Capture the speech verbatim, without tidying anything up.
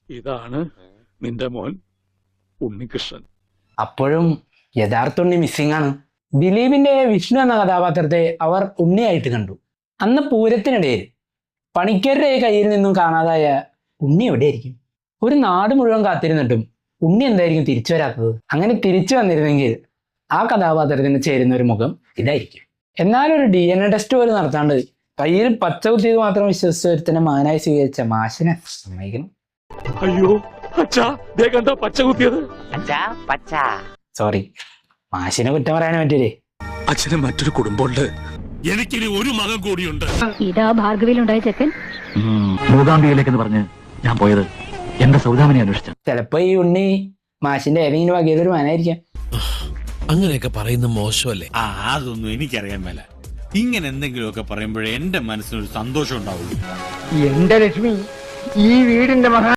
ഇതാണ് നിന്റെ മോൻ ഉണ്ണികൃഷ്ണൻ. അപ്പോഴും യഥാർത്ഥ ഉണ്ണി മിസ്സിംഗ് ആണ്. ദിലീപിന്റെ വിഷ്ണു എന്ന കഥാപാത്രത്തെ അവർ ഉണ്ണിയായിട്ട് കണ്ടു. അന്ന് പൂരത്തിനിടയിൽ പണിക്കരുടെ കയ്യിൽ നിന്നും കാണാതായ ഉണ്ണി എവിടെയായിരിക്കും? ഒരു നാട് മുഴുവൻ കാത്തിരുന്നിട്ടും ഉണ്ണി എന്തായിരിക്കും തിരിച്ചു വരാത്തത്? അങ്ങനെ തിരിച്ചു വന്നിരുന്നെങ്കിൽ ആ കഥാപാത്രത്തിന് ചേരുന്ന ഒരു മുഖം ഇതായിരിക്കും. എന്നാലൊരു ഡി എൻ എ ടെസ്റ്റ് പോലും നടത്താണ്ട് കയ്യിൽ പച്ച കുത്തിയത് മാത്രം വിശ്വസിച്ച ഒരുത്തനെ മകനായി സ്വീകരിച്ച മാഷിനെ സമ്മതിക്കണം. അയ്യോ അച്ഛാ, ദേ കണ്ടോ പച്ച കുത്തിയത്? സോറി, മാഷിനെ കുറ്റം പറയാനേ പറ്റൂലേ. അച്ഛന് മറ്റൊരു കുടുംബമുണ്ട്, എനിക്കിനി ഒരു മകൻ കൂടിയുണ്ട്. ഇതാ ഭാർഗവിയിലുണ്ടായ ചെക്കൻ. മൂകാംബികയിലേക്കെന്ന് പറഞ്ഞ് ഞാൻ പോയത് എന്റെ സൗദാമിനെ അന്വേഷിച്ചു. ചിലപ്പോ ഈ ഉണ്ണി മാഷിന്റെ ഏതെങ്കിലും വകയിലൊരു മകനായിരിക്കാം. അങ്ങനെയൊക്കെ പറയുന്ന മോശമല്ലേ? ആ അതൊന്നും എനിക്കറിയാൻ മേല. ഇങ്ങനെ എന്തെങ്കിലുമൊക്കെ പറയുമ്പോഴേ എന്റെ മനസ്സിനൊരു സന്തോഷം ഉണ്ടാവുള്ളൂ. എന്റെ ലക്ഷ്മി, ഈ വീടിന്റെ മഹാ